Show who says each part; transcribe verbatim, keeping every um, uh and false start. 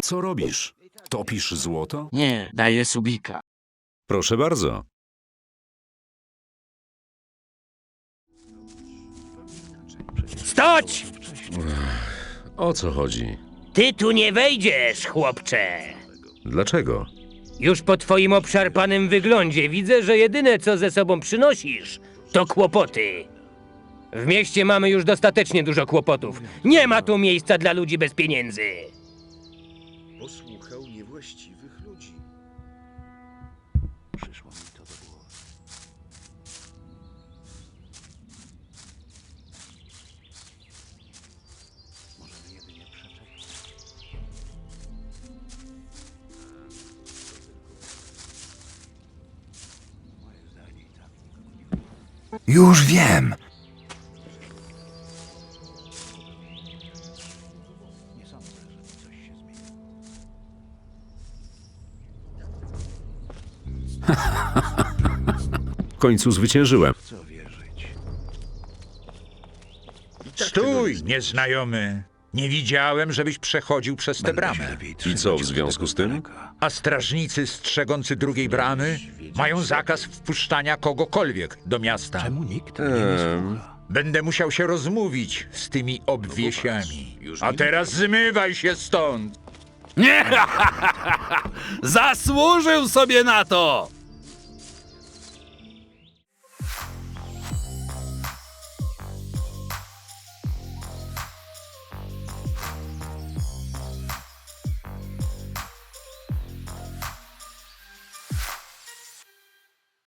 Speaker 1: Co robisz? Topisz złoto?
Speaker 2: Nie, daję subika.
Speaker 1: Proszę bardzo.
Speaker 3: Stać!
Speaker 1: O co chodzi?
Speaker 3: Ty tu nie wejdziesz, chłopcze.
Speaker 1: Dlaczego?
Speaker 3: Już po twoim obszarpanym wyglądzie widzę, że jedyne co ze sobą przynosisz, to kłopoty. W mieście mamy już dostatecznie dużo kłopotów. Nie ma tu miejsca dla ludzi bez pieniędzy.
Speaker 4: Posłuchał niewłaściwych ludzi. Przyszło mi to do głowy. Możemy jedynie przeczekać. Moje zdanie i tak nikogo nie...
Speaker 5: Już wiem!
Speaker 4: Nie sądzę, żeby coś się zmieniło.
Speaker 1: W końcu zwyciężyłem.
Speaker 4: W co wierzyć?
Speaker 6: Stój, nieznajomy. Nie widziałem, żebyś przechodził przez tę bramę.
Speaker 1: I co w związku z tym?
Speaker 6: A strażnicy strzegący drugiej bramy mają zakaz wpuszczania kogokolwiek do miasta.
Speaker 4: Czemu nikt mnie nie słucha?
Speaker 6: Będę musiał się rozmówić z tymi obwiesiami. A teraz zmywaj się stąd!
Speaker 7: Nie! Zasłużył sobie na to!